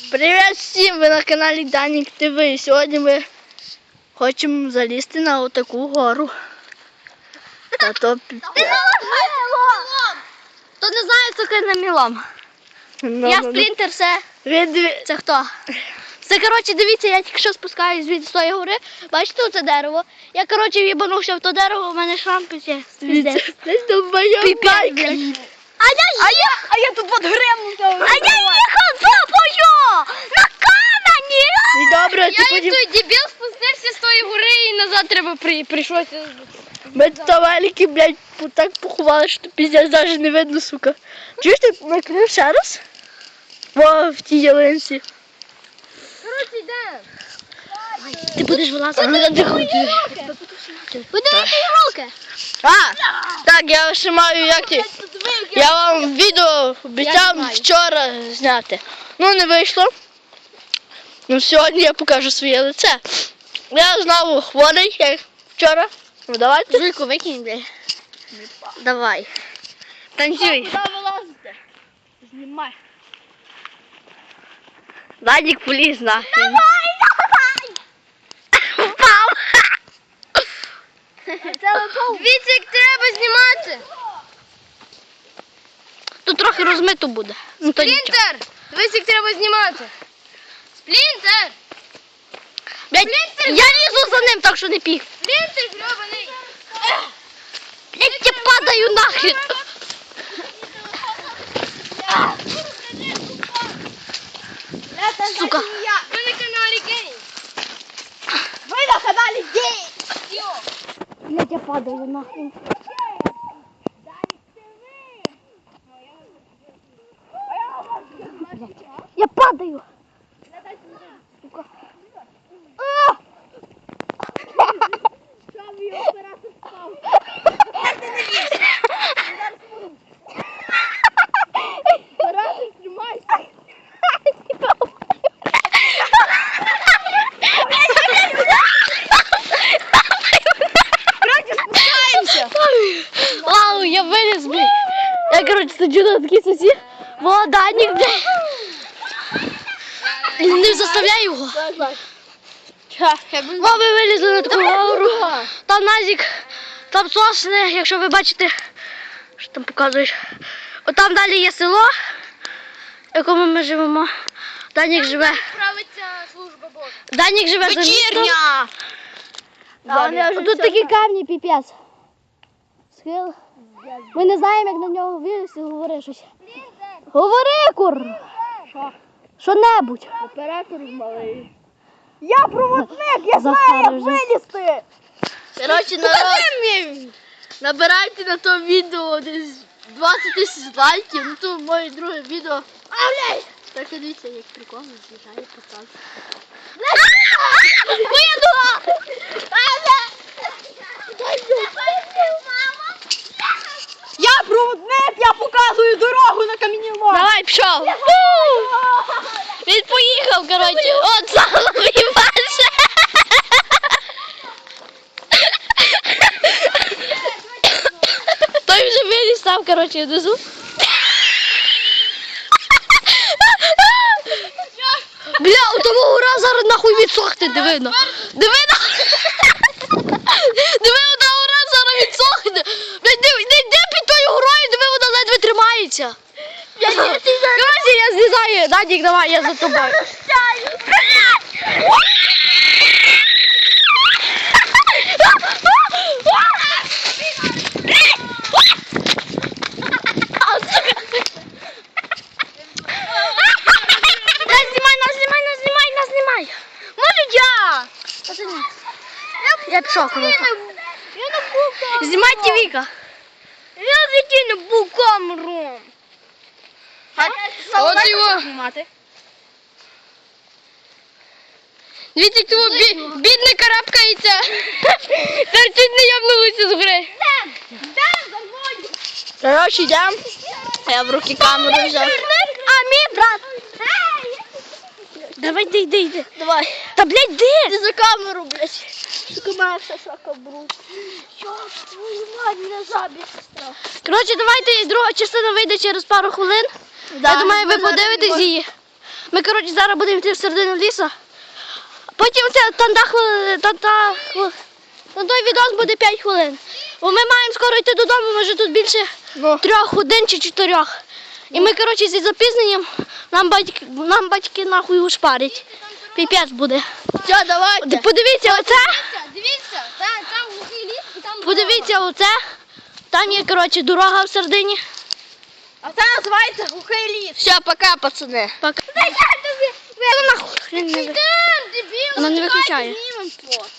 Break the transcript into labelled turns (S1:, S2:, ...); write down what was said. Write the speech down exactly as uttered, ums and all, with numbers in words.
S1: Привіт всім! Ви на каналі Данік ТВ. Сьогодні ми хочемо залізти на отаку гору. Та то...
S2: Хто не знає, це киномілом.
S1: Ну,
S2: Я
S1: ну,
S2: сплінтер, це...
S1: Від...
S2: Це хто? Це, коротше, дивіться, я тільки що спускаюсь від тої гори. Бачите оце дерево? Я, коротше, в'їбанувся в то дерево, у мене шрам писе.
S1: Дивіться, десь там моя байка.
S2: А я, а я,
S1: А я тут под гремну.
S2: а я їхав тобою! На камені!
S1: І добре, ти
S2: Я
S1: потім...
S2: той дебіл спустився з тої гори і назад треба при... прийшлося.
S1: Ми тут велики, блядь, так поховали, що піздець навіть не видно, сука. Чуєш, ти накрив ще раз? Во, в тій ялинці.
S2: Коротше, йдемо.
S1: Ти будеш вилазити? Не надихати.
S2: Подивіться руки.
S1: А, так, я ще маю, як ті... Я вам відео обіцяв вчора зняти. Ну, не вийшло. Ну, сьогодні я покажу своє лице. Я знову хворий, як вчора. Ну, давайте.
S2: Жуйку викинь, блядь. Давай. Танцюй.
S1: Куди вилазите? Знімай.
S2: Вадик поліз нахрен.
S1: Давай, давай!
S2: Впав. Дивіться, як треба знімати. Тут трохи розмито буде. Ну, то нічого.
S3: Сплінтер! Дивись, як треба знімати. Сплінтер!
S2: Блядь, я лізу за ним, так що не піх.
S3: Сплінтер, гребаний!
S2: Блядь, я падаю нахрен. Сука.
S3: Ви на каналі Гей!
S1: Ви на каналі Гей!
S2: Блядь, я падаю нахрен. Я падаю. Сука. А!
S1: Оператор, тримайся!
S2: Вау, я виліз, блядь. Я, коротше, сиджу на такій сосі. Володанник, блядь. Не заставляй його. Во, ми вилізли на таку гору. Там Назік, там сосни, якщо ви бачите, що там показуєш. Отам далі є село, в якому ми живемо. Данік живе.
S3: Справиться служба Божа.
S2: Данік живе за містом.
S1: Вечірня!
S2: Тут такі камні, піпець. Схил. Ми не знаємо, як на нього вилізти, говори щось. Говори, кур!
S1: Що?
S2: Що-небудь.
S1: Оператор малий. Я проводник, я знаю,
S2: Захар
S1: як
S2: вже.
S1: вилізти! Коротше, народ, набирайте на то відео десь двадцять тисяч лайків, ну то моє друге відео. А, блядь! Так, дивіться, як прикольно злітає потак.
S2: Вийду!
S1: Я проводник, я показую дорогу на камінному.
S2: Давай, пішов. Він поїхав, коротше. От самий ваше. Той вже виліз там, коротше, внизу. Бля, у того гора зараз нахуй відсохне, диви на. Диви на. Диви, у того гора зараз відсохне. Бля, диви, не йди під тою горою, диви, вона ледве тримається. Коротше, я злізаю. Надік, давай, я за тобою. Нас знімай, нас знімай, нас знімай, нас знімай. Може я? Я пішов, коротше.
S3: Я не був камеру.
S2: Знімайте Віка.
S3: Я в житті не був камеру.
S2: От його. Дивіться, як того бі... бідний карабкається. Тепер чуть не ямнулися з гори.
S1: Коротше, йдемо. Я в руки камеру взяв.
S2: А мій брат. Давай, йди, йди, йди.
S1: Давай.
S2: Та, блядь, де?
S1: Ти за камеру, блядь. Сука, моя вся шака бруд. Що ж твою мать, мене жабі сестра.
S2: Коротше, давайте друга частина вийде через пару хвилин.
S1: Да,
S2: Я думаю, ви
S1: ми зараз
S2: подивитесь
S1: не
S2: її. Ми, коротше, зараз будемо йти в середину лісу. Потім це там та хвилина, та, та, хвили- та той відос буде п'ять хвилин. Бо ми маємо скоро йти додому, ми вже тут більше
S1: Ну.
S2: трьох годин чи чотирьох. І ми, коротше, зі запізненням нам батьки, нам батьки нахуй ушпарять. Піпець буде.
S1: Все, давайте.
S2: Подивіться, оце.
S3: Дивіться, дивіться, там, там глухий ліс і там
S2: Подивіться, оце. Там є, коротше, дорога в середині.
S3: А це називається глухий ліс.
S1: Все, пока, пацани.
S2: Пока.
S3: Та я тобі...
S2: Ну, нахуй. Хрен не ви-
S3: Йдем, дебіл,
S2: Вона не
S3: чекайте,
S2: виключає.
S3: знімемо фото.